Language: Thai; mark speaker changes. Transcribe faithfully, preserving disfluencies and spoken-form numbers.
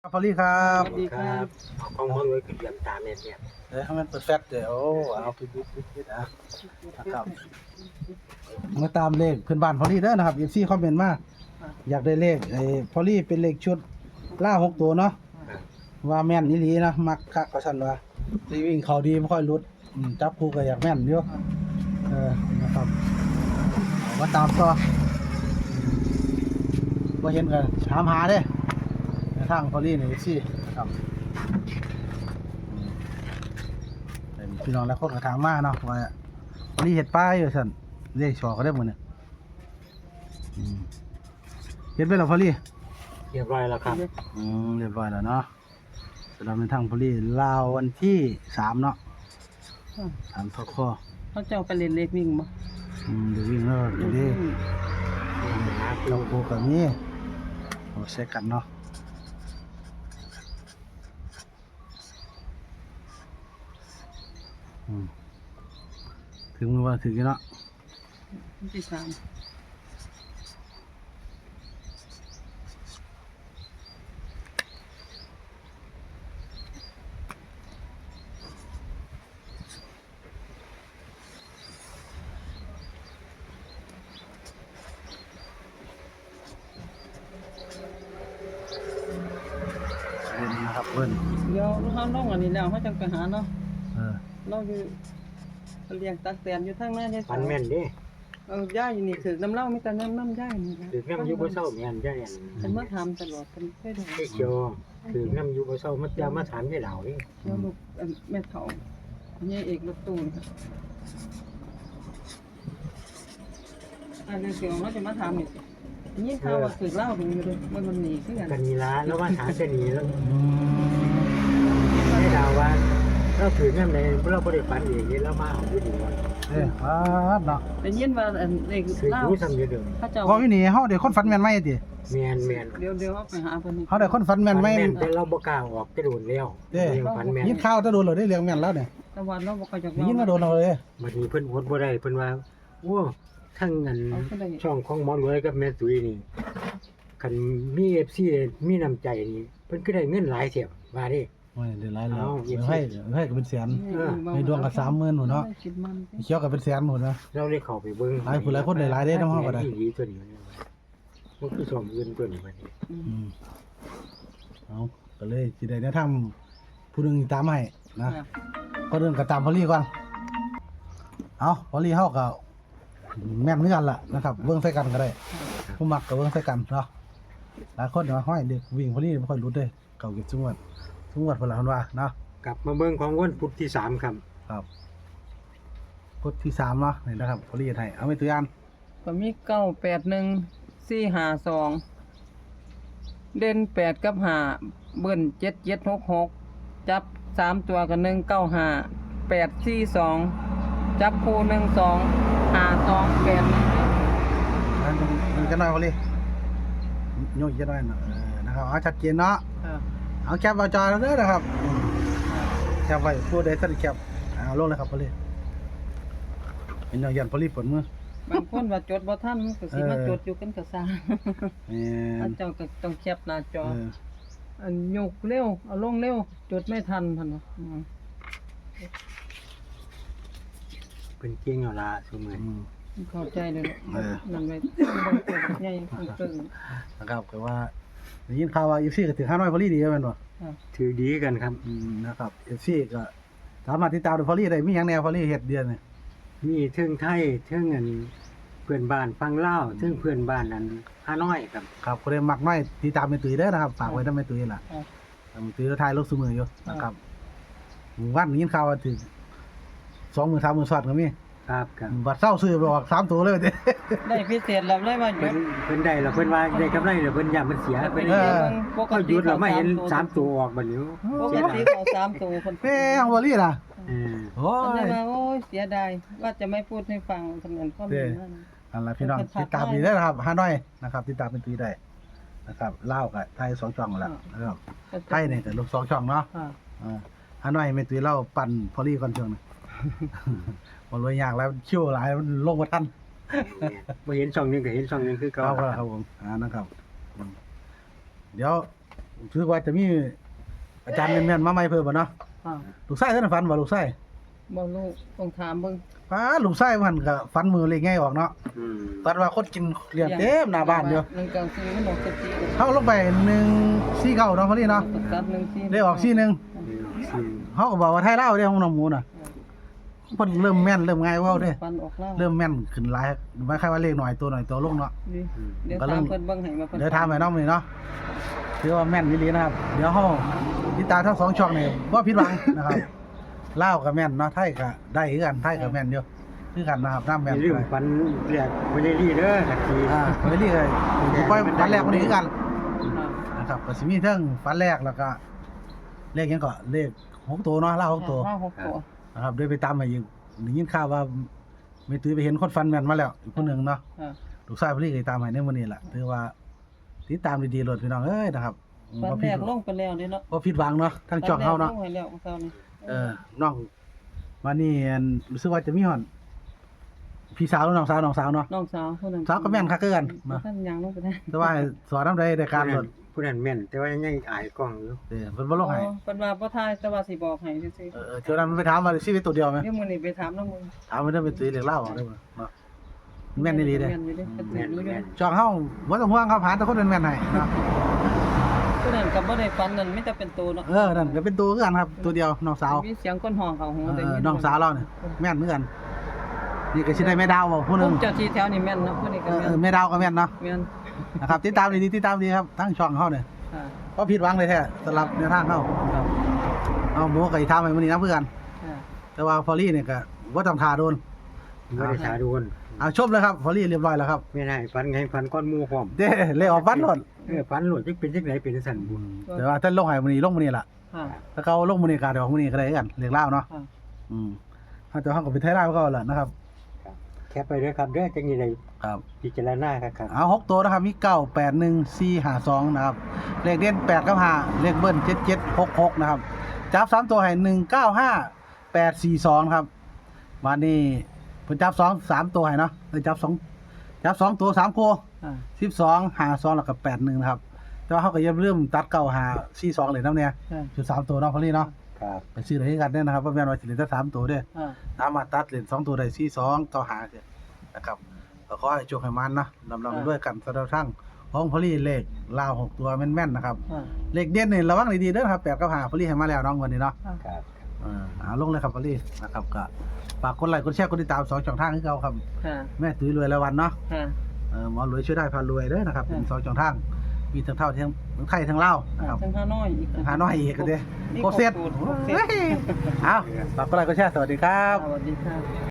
Speaker 1: พอลี่ครับ
Speaker 2: สวัสดีครับเอาของมันไว้คือเรียมตามเนี่ยเนี่ย
Speaker 1: เดี๋ยวให้มันเปิดแฟลชเดี๋ยวเอาไปยึดยึดยึดอ่ะนะครับมาตามเลขเพื่อนบ้านพอลี่เด้อนะครับเอฟซีคอมเมนต์มาอยากได้เลขไอ้พอลี่เป็นเลขชุดล่าหกตัวเนาะว่าแม่นอีหลีนะมักคักก็สั่นว่าสิวิ่งเขาดีไม่ค่อยหลุดอืมจับคู่ก็อยากแม่นอยู่เออนะครับเอามาตามต่อบ่เห็นกันถามหาเด้ในทางพอลี่นี่สิครับเป็นพี่น้องและคนกระถางมาเนาะว่าพอลี่เห็ดป้ายอยู่สั่นเลขชอก็ได้หมดเนี่ยอืมเห็ดไปแล้วพอลี่
Speaker 2: เรียบร้อยแล้วครับ
Speaker 1: อืมเรียบร้อยแล้วเนาะสำหรับในทางพอลี่ลาววันที่สามเนาะสามทอข้อ
Speaker 3: เขาจะเอาไปเล่นเลขวิ่งบ่
Speaker 1: อืมเดี๋ยววิ่งแล้วเดี๋ยวนี้เราโคกับนี้โอ้เช็คกันเนาะอืมถึงมือว่าถึงกันเนาะ
Speaker 3: วันที่สาม
Speaker 1: เล่นนะครับเพิ่น
Speaker 3: เดี๋ยวเขาลงอันนี้แล้วเขาจังไปหาเนาะ
Speaker 1: เออ
Speaker 3: เราอยู่เลี้ยงตักแตนอยู่ทางหน้าเนี่ย
Speaker 2: ฟันแม่นเด้
Speaker 3: เออย่าอยู่นี่ถือน้ำเหล้ามีแต่น้ำน้ำย่านี่นะ
Speaker 2: ถือน้ำยูบ่เศร้าแม่นได้อัน
Speaker 3: เป็นมาทำตลอดเป็นแค่เดียว
Speaker 2: ไอ้เขียวถือน้ำยูบ่เศร้ามันจะมาถามยายเหล่านี่
Speaker 3: เดี๋ยวลูกเอิ่มแม่เฒ่าเนี่ยเอกรถตู้นี่ค่ะอันนี้เสียงเราจะมาทำนี่ยิ่งข่าวว่าถือเหล้าดูอยู่เลยมันมันหนีขึ้นกัน
Speaker 2: กันนีละแล้วมาถามจะหนีแล้ว
Speaker 1: อืม
Speaker 2: ยายเหล่าว่าเราถือน้ำในเราบ่ได้ฝันเองนี่เรามาเอาอยู่ดีว่า
Speaker 1: เอ้ยฟาดเนาะ
Speaker 3: แต่ยินว่าอันเด็ก
Speaker 2: ถือ
Speaker 3: เหล้า
Speaker 2: รู้ซ้ำอยู่เดิม
Speaker 3: เขาเจ้า
Speaker 1: พอวินี่เฮาได้คนฝันแม่นไหมติ
Speaker 2: แม่นแม่น
Speaker 3: เดี๋ยวเดี๋ยวเอาไปหาเพิ่นนี่
Speaker 1: เฮาได้คนฝันแม่นไหม
Speaker 2: แต่เราบ่กล้าออกจะโดนแล้ว
Speaker 1: เด้
Speaker 2: ยังฝันแม่น
Speaker 1: ยินข่าวจะโดนเหรอได้เรื่องแม่นแล้วเนี่ย
Speaker 3: แต่วันเราบ่ค่อยจะ
Speaker 1: ได้ยินว่าโดนเอาเลย
Speaker 2: บัดนี้เพิ่นอดบ่ได้เพิ่นว่าโอ้ทั้งอันช่องของหมอรวยกับแม่ตุ้ยนี่คันมี เอฟ ซี มีน้ำใจนี่เพิ่นก็ได้เงินหลายเสียว่าดิ
Speaker 1: โอ้ยเดือดร้ายแล้ว
Speaker 2: เอา
Speaker 1: เดี๋ยวให้เดี๋ยวให้ก็เป็นแสน
Speaker 2: เออ
Speaker 1: ในดวงก็สามหมื่นหนูเนาะ
Speaker 3: คิดมัน
Speaker 1: เขียวก็เป็นแสนหนูนะ
Speaker 2: เราเลยเข้าไปเบิ่ง
Speaker 1: หลายผู้หลายคนได้หลายเด้น้ำเฮาก็ได้
Speaker 2: อีหลีตัวนี้มันคือสองเงินตัวนี้บัดนี้
Speaker 3: อืม
Speaker 1: อืมเอาก็เลยสิได้แนะนำผู้หนึงตามให้นะ
Speaker 3: ค่ะ
Speaker 1: ก็เรื่องก็ตามพอลี่ก่อนเอาพอลี่เฮาก็แม่นเหมือนกันล่ะนะครับเบิ่งใส่กันก็ได้ผู้มักก็เบิ่งใส่กันเนาะหลายคนว่าห้อยเด็กวิ่งพอลี่บ่ค่อยหลุดเด้เก่าเก็บจังหวัดจังหวัดเพิ่นล่ะเพิ่นว่าเนาะ
Speaker 2: กลับมาเบิ่งของวันพุธที่สามครับ
Speaker 1: ครับกดที่สามเนาะนี่นะครับพอลี่ให้เอาไปตัวอย่าง
Speaker 3: ก็มีเก้าแปดหนึ่งสี่ห้าสองเด่นแปดกับห้าเบิ้นเจ็ดเจ็ดหกหกจับสามตัวกับหนึ่งเก้าห้าแปดสี่สองจับคู่หนึ่งสองห้าสองแปด
Speaker 1: นั่นมันจะน้อยพอลี่โยกจะน้อยเนาะเออนะครับเอาชัดเจนเนาะ
Speaker 3: ค่ะ
Speaker 1: เอาแคปเอาจอแล้วเด้อนะครับอืมแคปไว้ผู้ใดท่านแคปเอาลงเลยครับพอลี่เป็นอย่างยันพอลี่ปวดมือบ
Speaker 3: างคนว่าจดบ่ทันมันก็สิมา
Speaker 1: เออ
Speaker 3: จดอยู่กันก็ซ่า
Speaker 1: แม่
Speaker 3: อั
Speaker 1: น
Speaker 3: นเจ้าก็ต้องแคปหน้าจอ
Speaker 1: เออ
Speaker 3: อันยกเร็วเอาลงเร็วจดไม่ทันพันนะอืม
Speaker 2: เพิ่นเก่งเอาล่ะซุมื้อ
Speaker 1: อืม
Speaker 3: เข้าใจเลย
Speaker 1: เออ
Speaker 3: นั่นไว้บ่เกิดใหญ่เกิน
Speaker 1: นะครับก็ว่าได้ยินข่าวว่าเอฟซีก็ถือห้าน้อยพอลี่ดีแม่นบ่
Speaker 3: ค่ะ
Speaker 2: ถือดีกันครับ
Speaker 1: อืมนะครับเอฟซีก็สามารถติดตามดูพอลี่ได้มีหยังแนวพอลี่เฮ็ดเดือนนี่
Speaker 2: มีเทิงไทยเทิงอันเพื่อนบ้านฟังลาวเทิงเพื่อนบ้านนั้นฮานอยครับ
Speaker 1: ครับก็ได้มักน้อยติดตามแม่ตุ้ยเด้อนะครับฝากไว้นำแม่ตุ้ยล่ะ
Speaker 3: ค่ะ
Speaker 1: แม่ตุ้ยถ่ายรูปซุมื้ออยู่นะครับวันนี้ยินข่าวว่าถึงสองหมื่นสามหมื่นสอดก็มี
Speaker 2: ครับครับ
Speaker 1: บัตรเศร้าซื้อไปออกสามตัวเลยเด้
Speaker 3: ได้พิเศษแล้วเลยว่าหยุ
Speaker 2: เพิ่
Speaker 3: ด
Speaker 2: นเพิ่นได้แล้วเพิ่นว่าได้กำไรแล้วเพิ่นย่ามันเสียเพิ่น
Speaker 3: เออปก
Speaker 2: ก็ห
Speaker 3: ติ
Speaker 2: ยุดแล้วไม่เห็น
Speaker 3: ข
Speaker 2: สามตัวออกบัดนี้
Speaker 3: ปก
Speaker 2: เสียดา
Speaker 3: ติ
Speaker 2: ย
Speaker 3: เขาสามตัวคน
Speaker 1: แม่เอาพอลี่ล่ะ
Speaker 2: เออ
Speaker 1: โอ้
Speaker 3: มัน
Speaker 1: ย
Speaker 3: จะมาโอ้ยเสียดายว่าจะไม่พูดให้ฟังทำเงินข้อมูลนั่น
Speaker 1: นั่นล่ะพี่น้องติดตามดีได้อนะครับห้าน้อยนะครับติดตามเป็นตุ้ยได้นะครับลาวกับไทยสองช่องแล้วนะครับไทยเนี่ยก็ลูกสองช่องเนาะ
Speaker 3: ค่ะ
Speaker 1: อ่าฮานอยแม่ตุ้ยเล่าปั่นพอลี่ก่อนช่วงนึง มันรวยยากแล้วคิวหลายมันลงบ่ทัน
Speaker 2: บ่เห็นช่องหนึงก็เห็นช่องหนึงคือ
Speaker 1: ครั
Speaker 2: เก่า
Speaker 1: บครับผมอ่านะครับอืมเดี๋ยวรู้สึกว่าจะมีอาจารย์แม่นๆมาใหม่เพิ่มบ่เนาะ
Speaker 3: ค่ะ
Speaker 1: ลูกชายท่านฝันบ่ลูกชาย
Speaker 3: บ่รู้ต้องถามเบิ่ง
Speaker 1: ป้าลูกชายมันก็ฝันมือเลขง่ายออกเนาะ
Speaker 2: อืม
Speaker 1: ฝันว่าคนกินเลี้ยงเต็มหน้าบ้านอยู่
Speaker 3: หนึ่งเก้าสี่มันออกสิบสี่
Speaker 1: เฮาลงไปหนึ่งสี่เก้าเนาะพอดีเนาะ
Speaker 3: ตัดหนึ่งสี่
Speaker 1: เลขออกสี่หนึ่ง
Speaker 2: อืม
Speaker 1: เฮาก็บอกว่าไทยลาวเด้ของน้องหมูน่ะเพิ่นเริ่มแม่นเริ่มง่ายกว่าเฮาเด้
Speaker 3: ฟันออกแล้ว
Speaker 1: เริ่มแม่นขึ้นหลายไม่ใช่ว่าเลขหน่อยตัวหน่อยตัวลงเนาะ
Speaker 3: นี่เดี๋ยว
Speaker 1: ก็เริ่
Speaker 3: ถาม มเพิ่นเบิ่งให้ว่าเพิ่น
Speaker 1: เดี๋ยวถามให้น้องมื้อนี้เนาะถือว่าแม่นอีหลีนะครับ เดี๋ยวเฮาติดตามทั้งสองช่องนี่บ่ผิดหวังนะครับลาวก็แม่นเนาะไทยก็ได้คือกันไทยก็แม่นอยู่คือกันนะครับน้ำ
Speaker 2: อ
Speaker 1: แม่น
Speaker 2: ย่าลืม
Speaker 1: ด้วย
Speaker 2: ฝันแรกบ่ได้รีเด้อตะกี้
Speaker 1: อ่าไปเรื่อยผมไปฝันแรกคนนี้คือกัน
Speaker 3: ค่ะ
Speaker 1: นะครับก็สิมีเทั้งฝันแรกแล้วก็เลขหยังก็เลขหกตัวเนาะลาวหกตัว
Speaker 3: ห้าหกตัว
Speaker 1: นะครับเดี๋ยวไปตามให้อีกได้ยินข่าวว่าไม่ตื้อไปเห็นคนฟันแม่นมาแล้วอีกคนหนึงเนาะ
Speaker 3: ค่ะ
Speaker 1: ลูกชายพอดีก็ตามให้ในมื้อนี้ล่ะถือว่าติดตามดีๆโลดพี่น้องเอ้ยนะครับ
Speaker 3: ฟัน
Speaker 1: บ่
Speaker 3: แร
Speaker 1: ผิด
Speaker 3: กลงไปแล้วเด้เนาะ
Speaker 1: บ่ผิดหวังเนาะทั้งช่องเฮาเนาะ
Speaker 3: ฟันแรกลงให้แล้วเช้านี้
Speaker 1: เออน้องมานี่อันรู้สึกว่าจะมีฮอดพี่สาวหรือน้องสาวน้องสาวเนาะ
Speaker 3: น้องสาวผู้นั้น
Speaker 1: สาวก็แม่นคักคือกันเนาะ
Speaker 3: ท่านยังลงไปได้
Speaker 1: แต่ว่าสอนนำได้ในการโลด
Speaker 2: ผู้นั้นแม่น แต่ว่ายังอายกล้องอยู่
Speaker 1: เออเพิ่นบ่ลงให้
Speaker 3: อ๋อเพิ่นว่าบ่ทายแต่ว่าสิบอกให้ซื่อ
Speaker 1: เออเออเดี๋ยวนั้นมันไปถามว่าชีวิตตัวเดียวไหม
Speaker 3: ๆเดี๋ยวมื้อนี้ไปถามน้องมึง
Speaker 1: ถามว่าได้เป็นตีเหล็กเล่าเอาได้บ่เนาะแม่นอีหลีเด้
Speaker 3: แม่นอยู่เด้เพิ่น
Speaker 2: แม่น
Speaker 3: รู้อยู่
Speaker 2: แม่น
Speaker 1: ช่องเฮาบ่ต้องห่วงครับหาแต่คนเป็นแม่นให้เนาะ
Speaker 3: ผู้นั้นก็บ่ได้ฟันนั่นมีแต่เป็นตัวเนาะ
Speaker 1: เออนั่นก็เป็นตัวคือกันครับ ตัวเดียวน้องสาว
Speaker 3: มีเสียงคนห้องเข้าหู
Speaker 1: เอ
Speaker 3: ได้
Speaker 1: อ
Speaker 3: ยิน
Speaker 1: น้องสาวเราเนี่ยแม่นเหมือนกันนี่ก็สิได้แม่ดาวบ่ผู้หนึง
Speaker 3: ผมเจ้าที่แถวนี้แม่นเนาะผู้นี้
Speaker 1: เอ
Speaker 3: ก็
Speaker 1: อ
Speaker 3: แม่
Speaker 1: เอน อแม่ดาวก็แม่นเนาะ
Speaker 3: แม่น
Speaker 1: นะครับติดตามดีๆติดตามดีครับทั้งช่องเฮาเนี่ย
Speaker 3: ค่ะ
Speaker 1: บ่ผิดหวังเลยแท้สำหรับแนวทางเฮาครับเอาหมูก็สิถามให้มื้อนี้นํเพื่อน
Speaker 3: ค่ะ
Speaker 1: แต่ว่าพอลี่เนี่ยก็บ่ต้องท่าโดน
Speaker 2: บ่ได้ทาโดน
Speaker 1: เอาชมเลยครับพอลี่เรียบร้อยแล้วครับ
Speaker 2: แม่นให้ฝันไงฝันก้อนหมู่พร้อม
Speaker 1: เด้เลยออกฟันโลด
Speaker 2: เออฝันโหลดจักเป็นจังไดเป็นจังซั่นบุญ
Speaker 1: แต่ว่าท่านลงให้มื้อนี้ลงมื้อนี้ล่ะ
Speaker 3: ค่ะ
Speaker 1: ถ้าเขาลงมื้อนี้ก็เดี๋ยวมื้อนี้ก็ได้คือกันเรียกเล่าวเนาะ
Speaker 3: ค่ะ
Speaker 1: อืมถ้าจะเฮาก็เป็นไทยลาวก็แหละนะครับ
Speaker 2: แคปไปเด้อครับเด้อจังนี้ได้
Speaker 1: ครับ
Speaker 2: พิจารณาครับครับ
Speaker 1: เอาหกตัวนะครับมีเก้า แปด หนึ่ง สี่ ห้า สองนะครับเลขเด่นแปดกับห้าเลขเบิ้ลเจ็ด เจ็ด หก หกนะครับจับสามตัวให้หนึ่ง เก้า ห้า แปด สี่ สองครับวันนี้เพิ่นจับสองสามตัวให้เนาะเอ้ยจับสองจับสองตัวสามคู่
Speaker 3: ค่ะ
Speaker 1: สิบสอง ห้า สองแล้วก็แปด หนึ่งนะครับแต่ว่าเฮาก็อย่าลืมตัดเก้า ห้า สี่ สองเลยนำเนี่ย
Speaker 3: ค่ะ
Speaker 1: จุดสามตัวเนาะพอลี่เนาะ
Speaker 2: ครับ
Speaker 1: ไปซื้อได้คือกันเด้อนะครับบ่แม่นว่าสิเหลือแต่สามตัวเด้อ
Speaker 3: ค่ะ
Speaker 1: สามารถตัดเหรียญสองตัวได้สี่สองต่อหาเสียนะครับก็ขอให้โชคให้มันนะลำลำไปด้วยกันสำหรับทั้งของพอลี่เลขลาวหกตัวแม่นๆนะครับ
Speaker 3: ค่ะ
Speaker 1: เลขเด่นนี่ระวังดีๆเด้อครับแปดกับห้าพอลี่ให้มาแล้วน้องวันนี้เนาะ
Speaker 3: ค่ะ
Speaker 2: ครับ
Speaker 1: เออเอาลงเลยครับพอลี่นะครับก็ฝากกดไลค์กดแชร์กดติดตามสองช่องทางให้เราครับ
Speaker 3: ค่ะ
Speaker 1: แม่ตุ้ยรวยรายวันเนาะ
Speaker 3: ค่ะ
Speaker 1: เออหมอรวยช่วยได้พารวยเด้อนะครับ
Speaker 3: ค่ะ
Speaker 1: เป็นสองช่องทางมีทั้งเท่าทั้งทั้งไทยทั้งลาวนะครับ
Speaker 3: ทั้งห้าน้อยอีก
Speaker 1: หาน้อยอีกก็เด้
Speaker 3: นี่
Speaker 1: โคเซ็ต
Speaker 3: ครบสูตรครบเซ็ต
Speaker 1: เอาฝากกดไลค์กดแชร์สวัสดีครับ
Speaker 3: สวัสดีค่ะ